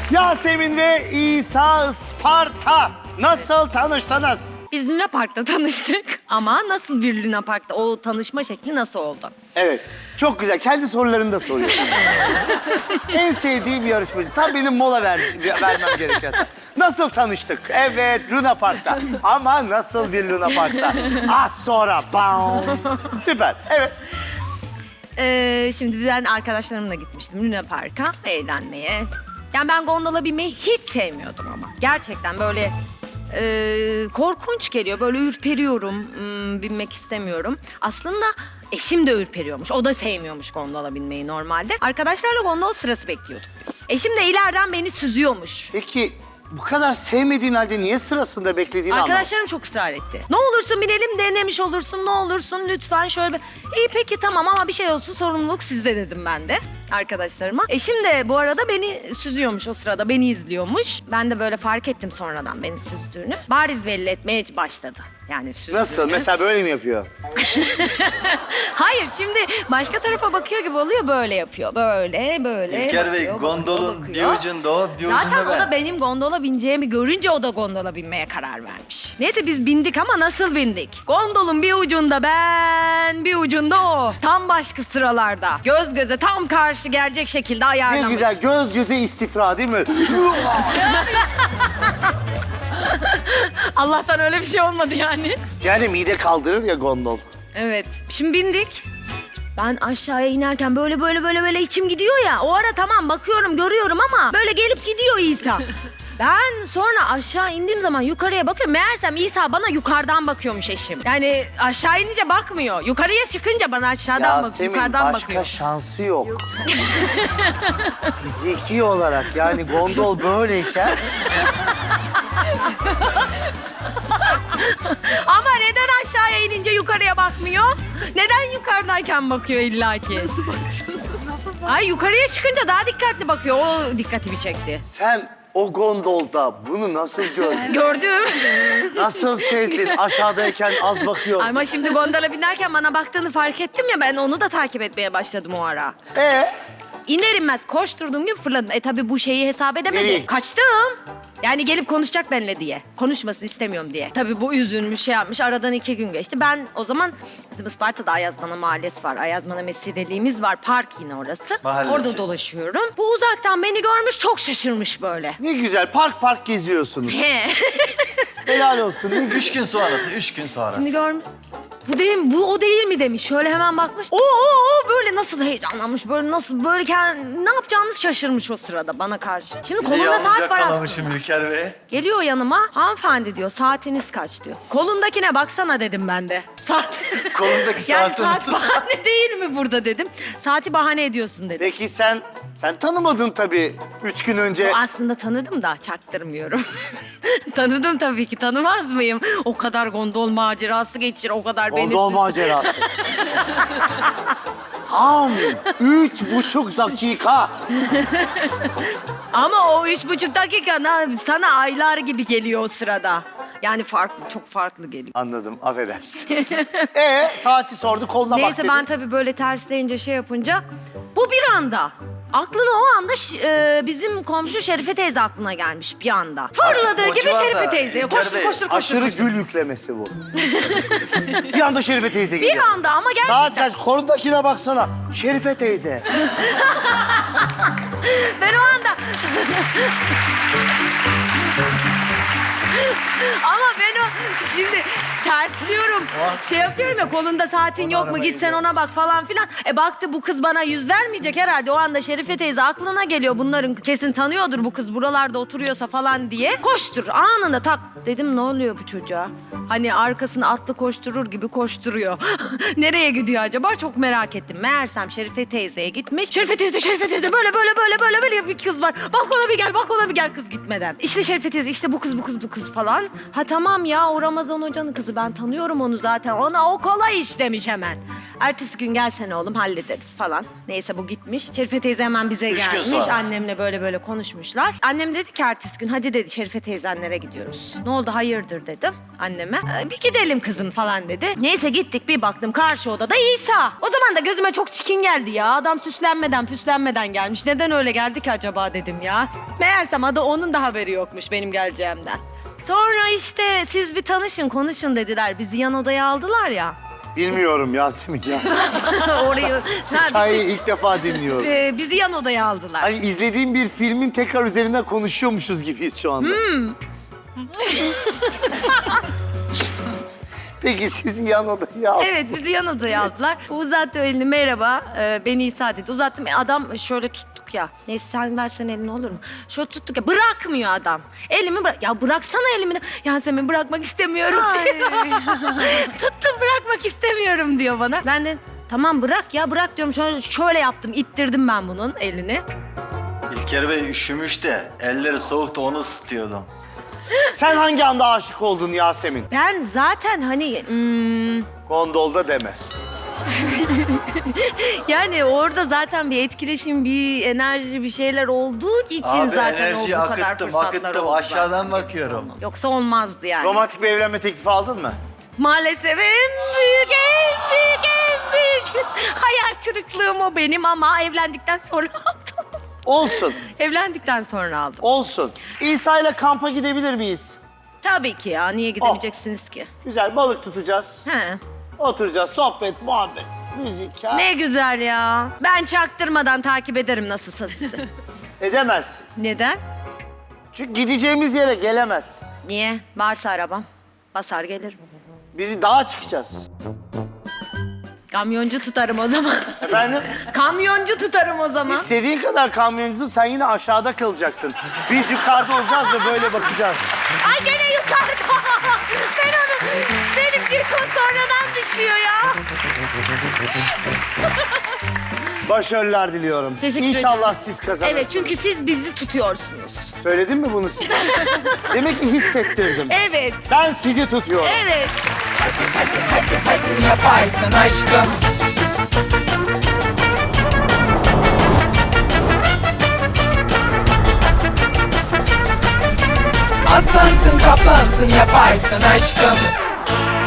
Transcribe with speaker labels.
Speaker 1: Yasemin ve İsa Isparta nasıl tanıştınız?
Speaker 2: Biz Luna Park'ta tanıştık ama nasıl bir Luna Park'ta? O tanışma şekli nasıl oldu?
Speaker 1: Evet, çok güzel. Kendi sorularını da soruyor. En sevdiğim yarışmacı. Tam benim mola vermem gereken. Nasıl tanıştık? Evet, Luna Park'ta. Ama nasıl bir Luna Park'ta? Az sonra. Bam. Süper, evet.
Speaker 2: Şimdi ben arkadaşlarımla gitmiştim Luna Park'a eğlenmeye. Yani ben gondola binmeyi hiç sevmiyordum ama. Gerçekten böyle korkunç geliyor. Böyle ürperiyorum, binmek istemiyorum. Aslında eşim de ürperiyormuş. O da sevmiyormuş gondola binmeyi normalde. Arkadaşlarla gondol sırası bekliyorduk biz. Eşim de ileriden beni süzüyormuş.
Speaker 1: Peki bu kadar sevmediğin halde niye sırasında beklediğini anlamadım.
Speaker 2: Arkadaşlarım çok ısrar etti. Ne olursun binelim, denemiş olursun, ne olursun lütfen şöyle bir... İyi peki tamam ama bir şey olsun sorumluluk sizde dedim ben de arkadaşlarıma. Eşim de bu arada beni süzüyormuş o sırada, beni izliyormuş. Ben de böyle fark ettim sonradan beni süzdüğünü. Bariz belli etmeye başladı. Yani süzdüğünü.
Speaker 1: Nasıl? Mesela böyle mi yapıyor?
Speaker 2: Hayır şimdi başka tarafa bakıyor gibi oluyor, böyle yapıyor. Böyle
Speaker 3: İlker Bey,
Speaker 2: bakıyor,
Speaker 3: gondolun
Speaker 2: bakıyor.
Speaker 3: bir ucunda o, bir
Speaker 2: Zaten
Speaker 3: ucunda
Speaker 2: o da
Speaker 3: ben.
Speaker 2: benim gondola bineceğimi görünce o da gondola binmeye karar vermiş. Neyse biz bindik ama nasıl bindik? Gondolun bir ucunda ben, bir ucunda o. Tam başka sıralarda. Göz göze tam karşı gelecek şekilde ayarlamış.
Speaker 1: Ne güzel göz göze istifra değil mi?
Speaker 2: Allah'tan öyle bir şey olmadı yani.
Speaker 1: Yani mide kaldırır ya gondol.
Speaker 2: Evet. Şimdi bindik. Ben aşağıya inerken böyle içim gidiyor ya. O ara tamam bakıyorum, görüyorum ama böyle gelip gidiyor İsa. Ben sonra aşağı indiğim zaman yukarıya bakıyorum. Meğersem İsa bana yukarıdan bakıyormuş eşim. Yani aşağı inince bakmıyor. Yukarıya çıkınca bana aşağıdan bakıyor, yukarıdan
Speaker 1: başka
Speaker 2: bakıyor.
Speaker 1: şansı yok. Fiziki olarak yani gondol böyleyken
Speaker 2: Ama neden aşağıya inince yukarıya bakmıyor? Neden yukarıdayken bakıyor illaki? Nasıl bakıyor? Ay yukarıya çıkınca daha dikkatli bakıyor. O dikkatimi çekti.
Speaker 1: sen o gondolda bunu nasıl gördün?
Speaker 2: Gördüm.
Speaker 1: Nasıl sezdin? Aşağıdayken az bakıyor.
Speaker 2: Ama şimdi gondola binerken bana baktığını fark ettim ya, ben onu da takip etmeye başladım o ara. İner inmez koşturduğum gibi fırladım. Tabii bu şeyi hesap edemedi.
Speaker 1: Nereye?
Speaker 2: Kaçtım. Yani gelip konuşacak benimle diye. Konuşmasını istemiyorum diye. Tabii bu üzülmüş, şey yapmış. Aradan 2 gün geçti. Ben o zaman bizim Isparta'da Ayazmana Mahallesi var. Ayazmana Mesireliğimiz var. Park yine orası.
Speaker 3: Mahallesi.
Speaker 2: Orada dolaşıyorum. Bu uzaktan beni görmüş, çok şaşırmış böyle.
Speaker 1: Ne güzel park geziyorsunuz.
Speaker 2: He.
Speaker 1: Helal olsun. Ne
Speaker 3: 3 gün sonrası, 3 gün sonrası.
Speaker 2: Şimdi görmüş. Bu değil mi? Bu o değil mi demiş. Şöyle hemen bakmış. Oo böyle nasıl heyecanlanmış. Böyle nasıl böyle ne yapacağını şaşırmış o sırada bana karşı. Şimdi kolunda saat var aslında.
Speaker 3: Yakalamışım İlker Bey.
Speaker 2: Geliyor yanıma. Hanımefendi diyor, saatiniz kaç diyor. Kolundakine baksana dedim ben de. Saat.
Speaker 3: Kolundaki
Speaker 2: Yani
Speaker 3: saati
Speaker 2: saat
Speaker 3: unutursan.
Speaker 2: bahane değil mi burada dedim. Saati bahane ediyorsun dedim.
Speaker 1: Peki sen tanımadın tabii 3 gün önce.
Speaker 2: Aslında tanıdım da çaktırmıyorum. Tanıdım tabii ki, tanımaz mıyım? O kadar gondol macerası geçir, o kadar beni...
Speaker 1: Gondol macerası. Tam 3,5 dakika.
Speaker 2: Ama o 3,5 dakika sana aylar gibi geliyor o sırada. Yani farklı, çok farklı geliyor.
Speaker 1: Anladım, affedersin. Saati sordu, koluna bak
Speaker 2: Neyse
Speaker 1: dedi.
Speaker 2: ben tabii böyle tersleyince şey yapınca bu bir anda. Aklına o anda bizim komşu Şerife teyze aklına gelmiş bir anda. Fırladığı
Speaker 3: o
Speaker 2: gibi
Speaker 3: civarda
Speaker 2: Şerife teyzeye
Speaker 3: İlker
Speaker 2: koştur
Speaker 3: Bey,
Speaker 2: koştur.
Speaker 1: Aşırı gül yüklemesi bu. Bir anda Şerife teyze
Speaker 2: Bir
Speaker 1: geliyor.
Speaker 2: anda ama gerçekten.
Speaker 1: Saat kaç? Kolundakine baksana. Şerife teyze.
Speaker 2: Ben o anda... Ama ben o şimdi tersliyorum. Şey yapıyorum ya, kolunda saatin yok mu,
Speaker 3: arabaya
Speaker 2: git sen ona bak falan filan. Baktı bu kız bana yüz vermeyecek herhalde. O anda Şerife teyze aklına geliyor, bunların kesin tanıyordur bu kız buralarda oturuyorsa falan diye. Koştur anında tak. Dedim ne oluyor bu çocuğa? Hani arkasını atlı koşturur gibi koşturuyor. Nereye gidiyor acaba? Çok merak ettim. Meğersem Şerife teyzeye gitmiş. Şerife teyze böyle bir kız var. Balkona bir gel kız gitmeden. İşte Şerife teyze, işte bu kız falan falan. Ha tamam ya, o Ramazan Hoca'nın kızı, ben tanıyorum onu zaten. Ona o kolay iş demiş hemen. Ertesi gün gelsene oğlum, hallederiz falan. Neyse bu gitmiş. Şerife teyze hemen bize
Speaker 3: 3 gün
Speaker 2: gelmiş.
Speaker 3: sonrası.
Speaker 2: Annemle böyle konuşmuşlar. Annem dedi ki ertesi gün hadi dedi Şerife teyzenlere gidiyoruz. Ne oldu hayırdır dedim anneme. Bir gidelim kızım falan dedi. Neyse gittik, bir baktım karşı odada İsa. O zaman da gözüme çok çirkin geldi ya. Adam süslenmeden püslenmeden gelmiş. Neden öyle geldi ki acaba dedim ya. Meğersem adı onun da haberi yokmuş benim geleceğimden. Sonra işte siz bir tanışın konuşun dediler. Bizi yan odaya aldılar ya.
Speaker 1: Bilmiyorum Yasemin ya.
Speaker 2: Orayı...
Speaker 1: Hikayeyi ilk defa dinliyorum.
Speaker 2: Bizi yan odaya aldılar.
Speaker 1: Hani izlediğim bir filmin tekrar üzerinden konuşuyormuşuz gibiyiz şu anda. Peki sizi yan odaya aldı.
Speaker 2: Evet, bizi yan odaya aldılar. Uzattı elini, merhaba, beni İsa dedi. Uzattım, adam şöyle tuttuk ya. Neyse sen versen elini olur mu? Şöyle tuttuk ya, bırakmıyor adam. Elimi bırak. Ya bıraksana elimi. Yasemin bırakmak istemiyorum diyor. Tuttum, bırakmak istemiyorum diyor bana. Ben de tamam bırak ya, bırak diyorum. Şöyle yaptım, ittirdim ben bunun elini.
Speaker 3: İlker Bey üşümüş de elleri soğuktu, onu ısıtıyordum.
Speaker 1: Sen hangi anda aşık oldun Yasemin?
Speaker 2: Ben zaten hani...
Speaker 1: Gondolda deme.
Speaker 2: Yani orada zaten bir etkileşim, bir enerji, bir şeyler olduğu için
Speaker 3: Abi
Speaker 2: zaten
Speaker 3: enerjiyi
Speaker 2: o bu kadar
Speaker 3: akıttım,
Speaker 2: fırsatlar oldu.
Speaker 3: aşağıdan bakıyorum.
Speaker 2: Yoksa olmazdı yani.
Speaker 1: Romantik bir evlenme teklifi aldın mı?
Speaker 2: Maalesef en büyük hayal kırıklığım o benim, ama evlendikten sonra aldım.
Speaker 1: Olsun,
Speaker 2: Evlendikten sonra aldım.
Speaker 1: olsun. İsa ile kampa gidebilir miyiz?
Speaker 2: Tabii ki ya, niye gidemeyeceksiniz ki?
Speaker 1: Güzel, balık tutacağız.
Speaker 2: He.
Speaker 1: Oturacağız, sohbet, muhabbet, müzik. Ha?
Speaker 2: Ne güzel ya. Ben çaktırmadan takip ederim nasılsa sizi.
Speaker 1: Edemez.
Speaker 2: Neden?
Speaker 1: Çünkü gideceğimiz yere gelemez.
Speaker 2: Niye? Varsa arabam. Basar gelirim.
Speaker 1: Bizi dağa çıkacağız.
Speaker 2: Kamyoncu tutarım o zaman.
Speaker 1: Efendim?
Speaker 2: Kamyoncu tutarım o zaman.
Speaker 1: İstediğin kadar kamyoncusun, sen yine aşağıda kalacaksın. Biz yukarıda olacağız ve böyle bakacağız.
Speaker 2: Ay gene yukarıda. Ben onu, benim jeton sonradan düşüyor ya.
Speaker 1: Başarılar diliyorum.
Speaker 2: Teşekkür
Speaker 1: İnşallah
Speaker 2: ederim.
Speaker 1: siz kazanırsınız.
Speaker 2: Evet, çünkü siz bizi tutuyorsunuz.
Speaker 1: Söyledim mi bunu size? Demek ki hissettirdim.
Speaker 2: Evet,
Speaker 1: Ben sizi tutuyorum.
Speaker 2: evet.
Speaker 4: Yaparsın aşkım. Aslansın kaplansın yaparsın aşkım.